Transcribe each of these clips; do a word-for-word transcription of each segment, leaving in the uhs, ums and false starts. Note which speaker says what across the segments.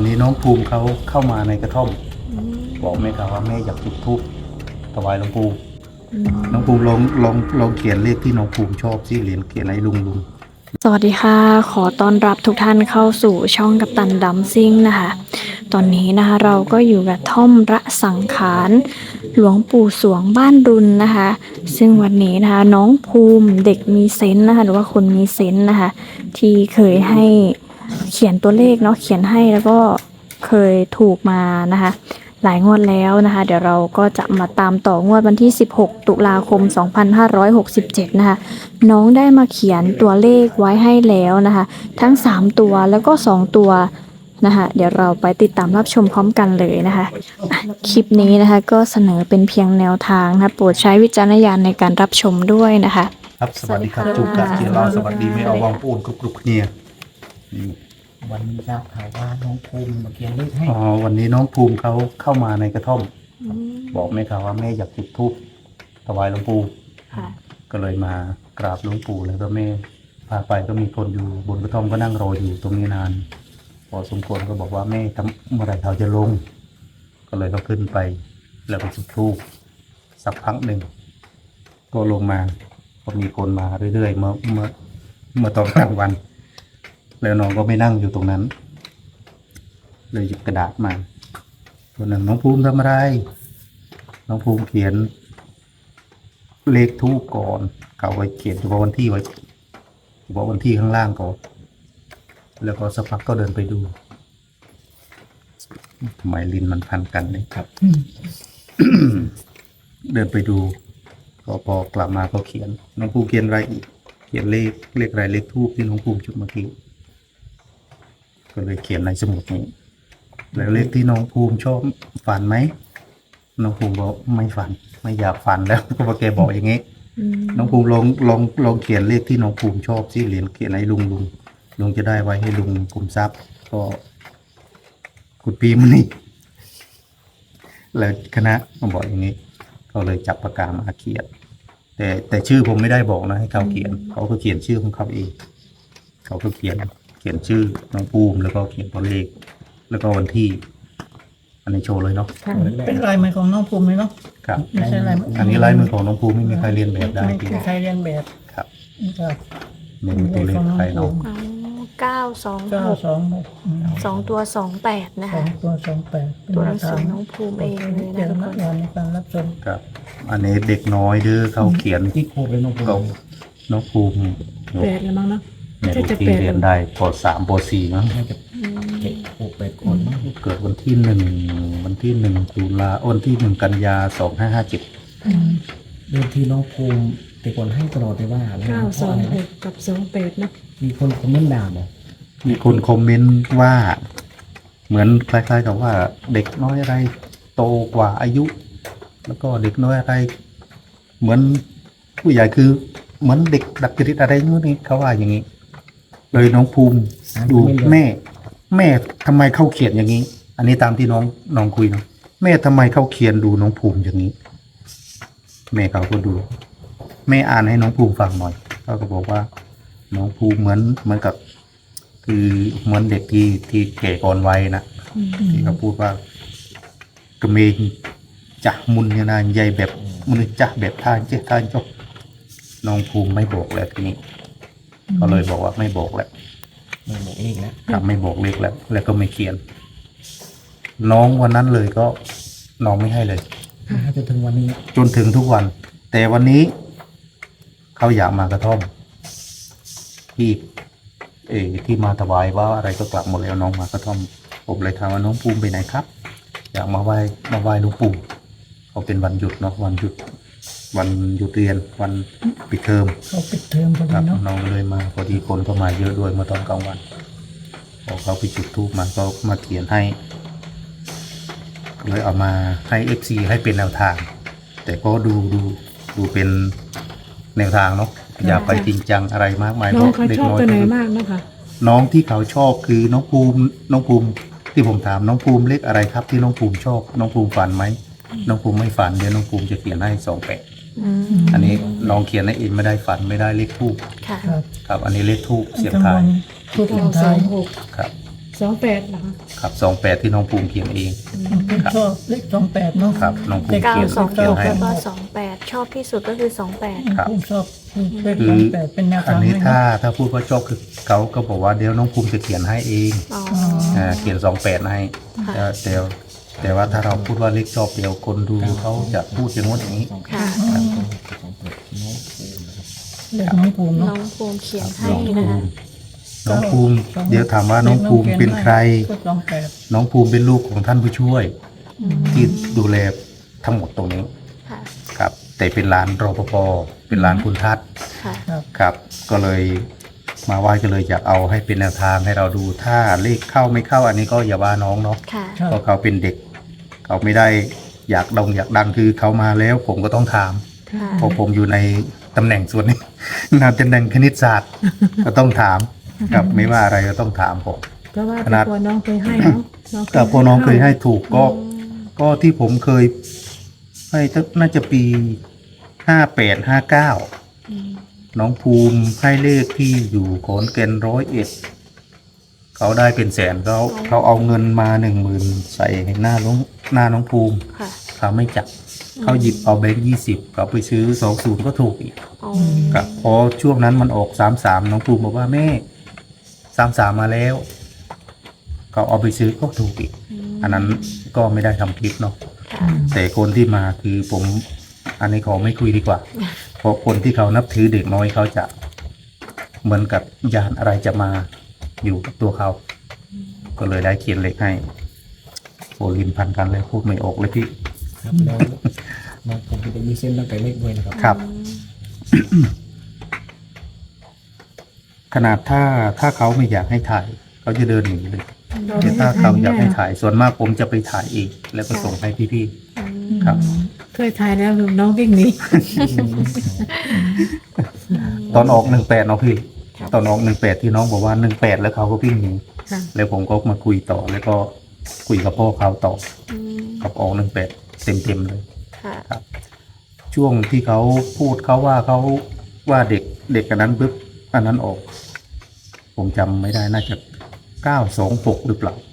Speaker 1: นี้น้องภูมิเขาเข้ามาในกระท่อมบอกแม่ครับว่าแม่อยากจุดธูปถวายหลวงปู่น้องภูมิลองลองลองเขียนเลขที่น้องภูมิชอบสิเหรียญเขียนให้ลุงลุง
Speaker 2: สวัสดีค่ะ ขอต้อนรับทุกท่านเข้าสู่ช่องกัปตันดัมซิ่งนะคะ ตอนนี้นะคะเราก็อยู่กับท่อมระสังขารหลวงปู่สวงบ้านรุนนะคะ ซึ่งวันนี้นะคะน้องภูมิเด็กมีเซนส์นะคะหรือว่าคนมีเซนส์นะคะ ที่เคยให้เขียนตัวเลขเนาะเขียนให้แล้วก็เคยถูกมานะคะ หลายงวดแล้วนะคะ เดี๋ยวเราก็จะมาตามต่องวดวันที่สิบหกตุลาคมสองพันห้าร้อยหกสิบเจ็ดนะคะน้องได้มาเขียนตัวเลขไว้ให้แล้วนะคะทั้งสามตัวแล้วก็สองตัวนะคะเดี๋ยวเราไปติดตามรับชมพร้อมกันเลยนะคะอ่ะคลิปนี้นะคะก็เสนอเป็นเพียงแนวทางนะคะโปรดใช้วิจารณญาณในการรับชมด้วยนะคะ
Speaker 1: ครับสวัสดีครับ
Speaker 2: สวัสดี
Speaker 1: จุก
Speaker 2: ค่ะ
Speaker 1: กะเกียร์เราสวัสดีไม่เอาวางปูนกรุบกรุบเนี่ยนี่
Speaker 3: วันนี้ทราบข่าวว่าน้องภูมิมาเขียนเลขให้
Speaker 1: อ๋อวันนี้น้องภูมิเขาเข้ามาในกระท่อมบอกแม่ครับว่าแม่อยากจุดธูปถวายหลวงปู่
Speaker 2: ค่ะ
Speaker 1: ก็เลยมากราบหลวงปู่แล้วก็แม่พาไปก็มีคนอยู่บนกระท่อมก็นั่งรออยู่ตรงนี้นานพอสมควรก็บอกว่าแม่ทำเมื่อไหรเขาจะลง ก็เลยก็ขึ้นไปแล้วก็จุดธูปสักพักหนึ่งก็ลงมาก็มีคนมาเรื่อยๆเมื่อเมื่อเมื่อตอนกลางวัน แล้วน้องก็ไม่นั่งอยู่ตรงนั้น เลยหยิบกระดาษมาตัวหนึ่งน้องภูมิทำอะไร น้องภูมิเขียน เลขทูปก่อนเขาไว้เขียนเฉพาะวันที่ไว้เฉพาะวันที่ข้างล่างก่อนแล้วก็สักพักก็เดินไปดูทำไมลิ้นมันพันกันเนี่ยครับ เดินไปดูก็พอกลับมาก็เขียน น้องภูมิเขียนอะไรอีก เขียนเลขเลขอะไรเลขทูปที่น้องภูมิจุดเมื่อกี้ก็เลยเขียนในสมุดนี้แล้วเลขที่น้องภูมิชอบฝันไหมน้องภูมิบอกไม่ฝัน ไม่อยากฝันแล้ว ก็บอกแกบอกอย่างงี้ น้องภูมิลองลองลองเขียนเลขที่น้องภูมิชอบสิเหรียญเขียนให้ลุงลุงลุงจะได้ไว้ให้ลุงกลุ่มทรัพย์ก็คุณปีมันนี่แล้วคณะมาบอกอย่างนี้ก็เลยจับปากกามาเขียน แต่แต่ชื่อผมไม่ได้บอกนะให้เขาเขียนเขาก็เขียนชื่อของเขาเองเขาก็เขียนเขียนชื่อน้องภูมิแล้วก็เขียนตัวเลข แล้วก็วันที่ อันนี้โชว์เลยเนาะ
Speaker 3: เป็นลายมือของน้องภูมิเลยเนาะ
Speaker 1: ครับ
Speaker 3: ไม่ใช่ลายมือ
Speaker 1: อันนี้ลายมือของน้องภูมิไม่มีใครเรียนแบบได้
Speaker 3: ไม่
Speaker 1: จริง
Speaker 3: มีใครเรียนแบบ
Speaker 1: ครับ
Speaker 3: ครับ
Speaker 1: ไม่มีตัวเลขใครเนาะ
Speaker 2: อ๋อเก้าสอง
Speaker 3: เก้า
Speaker 2: หก
Speaker 3: สองหก
Speaker 2: สองตัวสองแปดนะ
Speaker 3: สอ
Speaker 2: คะ
Speaker 3: งตัวสองแปด
Speaker 2: ตัวหนังสือน้องภูมิเองเลยนะ
Speaker 3: เดี๋ยว
Speaker 2: ทุก
Speaker 3: นั
Speaker 2: ค
Speaker 3: ก
Speaker 2: น
Speaker 3: เรียนในการรับชม
Speaker 1: ครับ อันนี้เด็กน้อยเด้อเขาเขียน
Speaker 3: ที่โคเป็นน้องภูมิ
Speaker 1: ก็น้องภูมิ
Speaker 4: แปดแล้วมั้งเนาะ
Speaker 1: เนี่ย
Speaker 4: จะจะ
Speaker 1: ที่
Speaker 4: แปด
Speaker 1: เรียนได้ปสามปสี่มั้ง
Speaker 3: น่าจะเด็กโคแปดคนมั้ง
Speaker 1: เกิดวันที่หนึ่งวันที่หนึ่งตุลาวันที่หนึ่งกันยาสองห้าห้าเจ็ด
Speaker 3: เดิมทีน้องภูมิแต่ก่อนให้ตลอดเลยว่าอะไรนะ
Speaker 4: เก้า
Speaker 3: เพ
Speaker 4: สอ
Speaker 3: ราะ
Speaker 4: ง
Speaker 3: อะไร
Speaker 4: ห
Speaker 3: นะ
Speaker 4: กกับสองแปดเนาะ
Speaker 3: มีคนคอมเมนต์ด่าบอก
Speaker 1: มีคนคอมเมนต์ว่า เหมือนคล้ายๆกับว่า เด็กน้อยอะไรโตกว่าอายุ แล้วก็เด็กน้อยอะไร เหมือนผู้ใหญ่คือ เหมือนเด็กดักจริตอะไรนู้นนี่เขาว่าอย่างนี้ เลยน้องภูมิดูแม่ แม่ทำไมเข้าเขียนอย่างนี้ อันนี้ตามที่น้องน้องคุยเนาะแม่ทำไมเข้าเขียนดูน้องภูมิอย่างนี้ แม่เขาก็ดู แม่อ่านให้น้องภูมิฟังหน่อยเขาก็บอกว่า น้องภูมิเหมือนเหมือนกับ คือเหมือนเด็กที่ที่แก่ก่อนวัยนะที่เขาพูดว่ากระเมงจะมุนเนี่ยนะใหญ่แบบมุนจะแบบท่านเจ้าท่านจบน้องภูมิไม่บอกแล้วทีนี้ก็เลยบอกว่าไม่บอกแล้ว
Speaker 3: ไม่บอกเลขแล้ว
Speaker 1: ครับไม่บอกเลขแล้ว แล้วก็ไม่เขียน น้องวันนั้นเลยก็น้องไม่ให้เลย
Speaker 3: น่าจะถึงวันนี้
Speaker 1: จนถึงทุกวัน แต่วันนี้ เขาอยากมากระท่อมที่เออที่มาถวายว่าอะไรก็กลับหมดแล้วน้องมากระท่อมผมเลยถามว่าน้องภูมิไปไหนครับ อยากมาไหว้มาไหว้หลวงปู่เขาเป็นวันหยุดเนาะวันหยุด วันหยุดเรียนวันปิดเทอม
Speaker 3: เขาปิดเทอมพอ
Speaker 1: ค
Speaker 3: ดี
Speaker 1: รับ
Speaker 3: เนาะ
Speaker 1: น้องเลยมาพอดีคนก็มาเยอะด้วยเมื่อตอนกลางวันพอเขาไปจุดธูปมาก็มาเขียนให้เลยเอามาให้เอฟซีให้เป็นแนวทาง แต่ก็ดูดูดูเป็นแนวทางเนาะอย่าไปจริงจังอะไรมากมาย
Speaker 4: น้องเขา
Speaker 1: เด็ก
Speaker 4: ชอบ
Speaker 1: น้อย
Speaker 4: ตัวไหน
Speaker 1: ก็
Speaker 4: มากนะคะ
Speaker 1: น้องที่เขาชอบคือน้องภูมิน้องภูมิที่ผมถามน้องภูมิเลขอะไรครับ ที่น้องภูมิชอบ น้องภูมิฝันไหมน้องภูมิไม่ฝันเดี๋ยวน้องภูมิจะเขียนให้สองแปด
Speaker 2: อืม
Speaker 1: อันนี้น้องเขียนให้เองไม่ได้ฝันไม่ได้เลขทูป
Speaker 2: ค่ะ
Speaker 3: ครับ
Speaker 1: ครับ อันนี้เลขทูปเสียง
Speaker 3: กลาง
Speaker 1: ทา
Speaker 3: วั
Speaker 1: ย
Speaker 3: นทุก
Speaker 4: เก้า
Speaker 3: คน
Speaker 4: ส
Speaker 3: ไท
Speaker 4: อย งหก
Speaker 1: ครับ
Speaker 4: สองแปดเหรอคะ
Speaker 1: ครับสองแปดที่น้องภูมิเขียนเอง
Speaker 5: ผมชอบเลขสองแปดเนาะ
Speaker 1: ครับน้องภูมิ
Speaker 2: เก้า
Speaker 1: เขียน
Speaker 2: สอง
Speaker 1: เขียน
Speaker 2: หก
Speaker 1: ให้
Speaker 2: แล้วก็สองแปดชอบที่สุดก็คือสองแปด
Speaker 1: ครับ
Speaker 5: ผมชอบเลข
Speaker 1: คื
Speaker 5: ส
Speaker 1: อ
Speaker 5: องแปดเป็นแนว
Speaker 1: อั
Speaker 5: ทาน ง
Speaker 1: นี้
Speaker 5: ให้
Speaker 1: ถ้า
Speaker 5: เนาะ
Speaker 1: ถ้าพูดว่าชอบคือเขาก็บอกว่าเดี๋ยวน้องภูมิจะเขียนให้เอง
Speaker 2: อ๋อ
Speaker 1: อ่าเขียนสองแปดให้
Speaker 2: ค่ะ
Speaker 1: แต่แต่แต่ว่าถ้าเราพูดว่าเลขชอบเดี๋ยวคนดูเขาจะพูดอย่างนู้นอย่างนี้
Speaker 2: ค่ะ
Speaker 5: เลขน้องภูมิ
Speaker 2: น้
Speaker 5: เนาะ
Speaker 2: องภูมิเขียนให้
Speaker 1: น้อง
Speaker 2: นะ
Speaker 1: ภู
Speaker 2: คะ
Speaker 1: มิน้องภูมิ เดี๋ยวถามว่าน้องภูมิเป็นใคร
Speaker 5: ก็สองแปด
Speaker 1: น้องภูมิเป็นลูกของท่านผู้ช่วย ที่ดูแลทั้งหมดตรงนี้
Speaker 2: ค่ะ
Speaker 1: ครับ แต่เป็นร้านรปภเป็นร้านคุณทัศน์
Speaker 2: ค่ะ
Speaker 5: ครับ
Speaker 1: ครับ ก็เลยมาไหว้ก็เลยอยากเอาให้เป็นแนวทางให้เราดูถ้าเลขเข้าไม่เข้าอันนี้ก็อย่าว่าน้องเนาะ
Speaker 2: ค่ะ
Speaker 5: ครับ
Speaker 1: เพราะเขาเป็นเด็ก เขาไม่ได้อยากดงอยากดังคือเขามาแล้ว ผมก็ต้องถาม
Speaker 2: ค่ะ
Speaker 1: เพราะผมอยู่ในตำแหน่งส่วนนี้ นาตำแหน่งคณิตศาสตร์ ก็ต้องถามครับไม่ว่าอะไรก็ต้องถามผม
Speaker 4: เพราะว่า
Speaker 1: ขนาด
Speaker 4: แต่ก่อนน้องเคยให้เนาะน้องเคย
Speaker 1: ก็พอน้องเคยให้ถูกก็ก็ที่ผมเคยให้น่าจะปีห้าแปดห้าเก้า
Speaker 2: อืม
Speaker 1: น้องภูมิให้เลขที่อยู่ขอนแก่นร้อยเอ็ดเขาได้เป็นแสนเขาเขาเอาเงินมาหนึ่งหมื่นใส่หน้าน้องหน้าน้องภูมิ
Speaker 2: ค่ะ
Speaker 1: เขาไม่จับเขาหยิบเอาแบงค์ยี่สิบเขาไปซื้อสองศูนย์ก็ถูกอีก
Speaker 2: อ๋อ
Speaker 1: ครับพอช่วงนั้นมันออกสามสามน้องภูมิบอกว่าแม่สามสามมาแล้วเขาเอาไปซื้อก็ถูกอีก อันนั้นก็ไม่ได้ทำคลิปเนาะ
Speaker 2: ค่ะ
Speaker 1: แต่คนที่มาคือผม อันนี้ขอไม่คุยดีกว่า เพราะคนที่เขานับถือเด็กน้อยเขาจะเหมือนกับยานอะไรจะมาอยู่กับตัวเขา ก็เลยได้เขียนเลขให้โอลินพันกันเลยพูดไม่ออกเลยพี่
Speaker 3: ครับแล้วน้องผมจะมีเส้นตั้งแต่เล็กด้วยนะครับ
Speaker 1: ครับ ขนาดถ้าถ้าเขาไม่อยากให้ถ่ายเขาจะเดินหนีเลย
Speaker 4: เรา
Speaker 1: แต่
Speaker 4: ไม่
Speaker 1: ถ้า
Speaker 4: ได้
Speaker 1: เขาอยากให้
Speaker 4: ถ่าย
Speaker 1: ถ่ายส่วนมากผมจะไปถ่ายเองแล้วก็ส่งให้พี่ๆครับ
Speaker 4: เคยถ่ายแล้วน้องวิ่งหนี
Speaker 1: ตอนออกหนึ่งแปดเนาะพี่ ตอนออกหนึ่งแปดที่น้องบอกว่าหนึ่งแปดแล้วเขาก็วิ่งหนี
Speaker 4: ค่ะ
Speaker 1: แล้วผมก็มาคุยต่อแล้วก็คุยกับพ่อเขาต่อ
Speaker 2: อืม
Speaker 1: กับออกหนึ่งแปดเต็มเต็มๆเลย
Speaker 2: ค่ะ
Speaker 1: ครับ ช่วงที่เขาพูดเขาว่าเขาว่าเด็กเด็กกันนั้นปุ๊บอันนั้นออก ผมจำไม่ได้น่าจะเก้าสองหกหรือเปล่า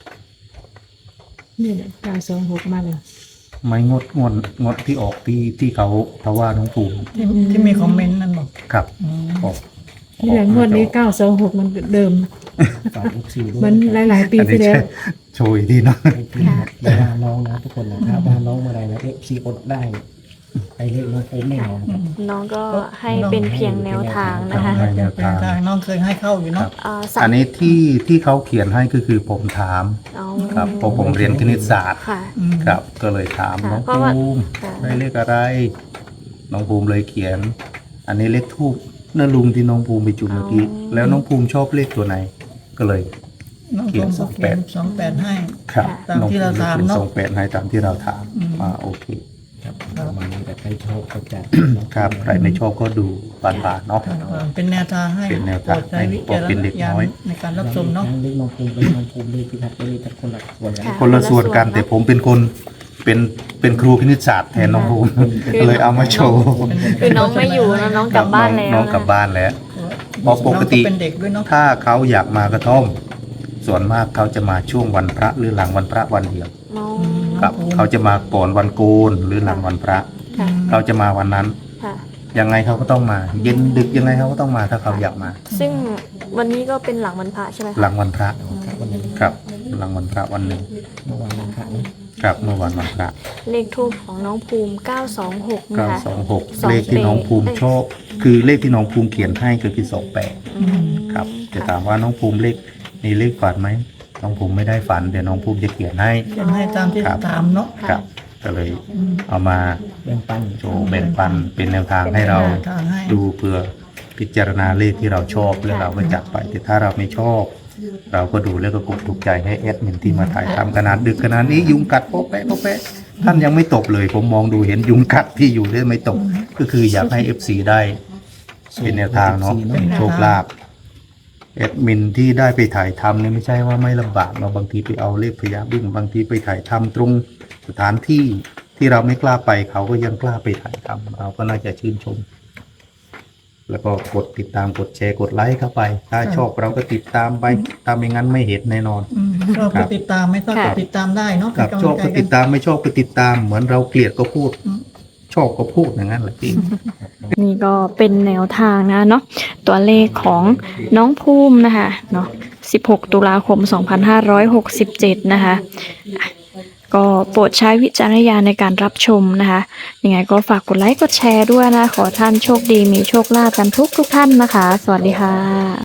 Speaker 4: นี่เนี่ยเก้าสองหกมาเลย
Speaker 1: ไม่งดงวดงดที่ออกที่ที่เขาเขาว่าน้องภูมิ
Speaker 5: ที่ที่มีคอมเมนต์นั่นบอก
Speaker 1: ครับ
Speaker 5: อืม
Speaker 1: ออก
Speaker 4: นี่แหละงวดนี้เก้าสองหกมันเดิม
Speaker 3: ฝากลูกศิษย์ด้วย
Speaker 4: มันหลาย ๆ ปี
Speaker 1: อัน
Speaker 4: ที่
Speaker 1: นี้
Speaker 4: แล้ว
Speaker 1: โชยดีเนาะ
Speaker 3: ให้พี่อย่าว่าน้องนะทุกคนนะถ้าว่าน้องเมื่อไหรนะเอฟซีอดได้ไปเลขน้องผมแน่นอนครับ
Speaker 2: น้องก็ให้เป็นเพียงแนวทางนะคะ
Speaker 1: ให้แนว
Speaker 5: เป็น
Speaker 1: ทาง
Speaker 5: ทางน้องเคยให้เข้าอยู่เนาะ
Speaker 2: เอ่อสา
Speaker 1: อั
Speaker 2: ม
Speaker 1: นนี้ที่ที่เขาเขียนให้ก็คือผมถาม
Speaker 2: อ๋อ
Speaker 1: ครับเพราะผมเรียนคณิตศาสตร์
Speaker 2: ค่ะ
Speaker 5: อืม
Speaker 1: ครับ ก็เลยถาม
Speaker 2: ค่ะ
Speaker 1: น้อง
Speaker 2: เพราะ
Speaker 1: ภู
Speaker 2: ว่า
Speaker 1: มิ
Speaker 2: ค่ะ
Speaker 1: ได้เลขอะไร น้องภูมิเลยเขียน อันนี้เลขทูบนั่นลุงที่น้องภูมิไปจุดเมื่อกี้แล้วน้องภูมิชอบเลขตัวไหน ก็เลย
Speaker 5: น้องผมก็เขียนสองแปดให้
Speaker 1: ครับ
Speaker 5: ตามที่เราถาม
Speaker 1: น้องภูมิ
Speaker 5: เนอะ
Speaker 1: ส่งแปดให้ตามที่เราถาม
Speaker 5: อืม
Speaker 1: อ่าโอเค
Speaker 3: ครับประมาณนี้แต่ใครชอบก็จะ
Speaker 1: ครับใครไม่ชอบก็ดูบานๆเนาะ
Speaker 5: เป็นแนวทางให้
Speaker 1: เป็นแนวทาง
Speaker 5: โปรดใช้วิจาร
Speaker 1: ให้เป็น
Speaker 5: ณ
Speaker 1: เด็ก
Speaker 5: ญา
Speaker 1: น้อย
Speaker 5: ณในการรับชมเนาะ
Speaker 3: เลขน้องภูมิเลขน้องภูมิเลขพิทักษ์เลขคนละส่วนกัน
Speaker 2: ค่ะ
Speaker 1: คนละส่วนกันแต่ผมเป็นคนเป็นเป็นครูคณิตศาสตร์แทนน้องภูมิก็เลยเอามาโชว์
Speaker 2: คือน้องไม่อยู่นะน้องกลับบ้านแล้ว
Speaker 1: น้องกลับบ้านแล้ว เพราะปกติ
Speaker 5: น้องเป็นเด็กด้วยเนาะ
Speaker 1: ถ้าเขาอยากมากระท่อม ส่วนมากเขาจะมาช่วงวันพระหรือหลังวันพระวันเดียว
Speaker 2: น้อง
Speaker 1: ครับ เขาจะมาก่อนวันโกนหรือหลังวันพระ
Speaker 2: ค่ะ
Speaker 1: เขาจะมาวันนั้น
Speaker 2: ค่ะ
Speaker 1: ยังไงเขาก็ต้องมา เย็นดึกยังไงเขาก็ต้องมาถ้าเขาอยากมา
Speaker 2: ซึ่งวันนี้ก็เป็นหลังวันพระใช่ไหมคะ
Speaker 1: หลังวันพระ
Speaker 3: วันนี้
Speaker 1: ครับ หลังวันพระวันหนึ่ง
Speaker 3: เมื่อวานนะครับนะครับ
Speaker 1: เมื่อวันวันพระ
Speaker 2: เลขทูปของน้องภูมิเก้าสองหกนะ
Speaker 1: เก้า
Speaker 2: คะ
Speaker 1: สองหก
Speaker 2: สอง
Speaker 1: เลขที่น้องภูมิ
Speaker 2: เอ้ย
Speaker 1: ชอบคือเลขที่น้องภูมิเขียนให้ก็คือสองแปด
Speaker 2: อืม
Speaker 1: ครับจะถามว่าน้องภูมิเลขมีเลขฝันไหมน้องภูมิไม่ได้ฝันเดี๋ยวน้องภูมิจะเขียนให้
Speaker 5: เขียนให้ตามที่
Speaker 1: ครับ
Speaker 5: ถามเนาะ
Speaker 1: ครับ ก็เลยเอามา
Speaker 3: แบ่งปัน
Speaker 1: โชว์แบ่งปันเป็นแนวทางให้เรา
Speaker 5: ทางให้
Speaker 1: ดูเพื่อพิจารณาเลขที่เราชอบแล้วเราก็จัดไปแต่ถ้าเราไม่ชอบ เราก็ดูแล้วก็กดถูกใจให้แอดมินที่มาถ่ายทำขนาดดึกขนาดนี้ยุงกัดโป๊ะแป๊ะโป๊ะแป๊ะท่านยังไม่ตกเลย ผมมองดูเห็นยุงกัดที่อยู่ได้ไม่ตก ก็คืออยากให้ เอฟ ซี ได้เป็นแนวทางเนาะเป็นโชคลาภแอดมินที่ได้ไปถ่ายทำเนี่ยไม่ใช่ว่าไม่ลำบากเราบางทีไปเอาเลขพยาบึ้งบางทีไปถ่ายทำตรงสถานที่ที่เราไม่กล้าไปเขาก็ยังกล้าไปถ่ายทำเราก็น่าจะชื่นชมแล้วก็กดติดตามกดแชร์กดไลค์เข้าไป ถ้าชอบเราก็ติดตามไปถ้าไม่งั้นไม่เห็นแน่นอน
Speaker 5: อืมชอบ
Speaker 1: ครั
Speaker 5: ก็
Speaker 1: บ
Speaker 5: ติดตามไม่ชอบก็ติดตามได้เนาะ
Speaker 1: กับ
Speaker 5: เป็น
Speaker 1: ชอบ
Speaker 5: กำ
Speaker 1: ก็
Speaker 5: ลังใจ
Speaker 1: ติด
Speaker 5: กัน
Speaker 1: ตามไม่ชอบก็ติดตาม เหมือนเราเกลียดก็พูด
Speaker 5: อืม
Speaker 1: ชอบก็พูดอย่างนั้นแหละพี่
Speaker 2: นี่ก็เป็นแนวทางนะเนาะตัวเลขของน้องภูมินะคะเนาะสิบหกตุลาคมสองพันห้าร้อยหกสิบเจ็ดนะคะอ่ะก็โปรดใช้วิจารณญาณในการรับชมนะคะยังไงก็ฝากกดไลค์กดแชร์ด้วยนะ ขอท่านโชคดีมีโชคลาภกันทุกทุกท่านนะคะ สวัสดีค่ะ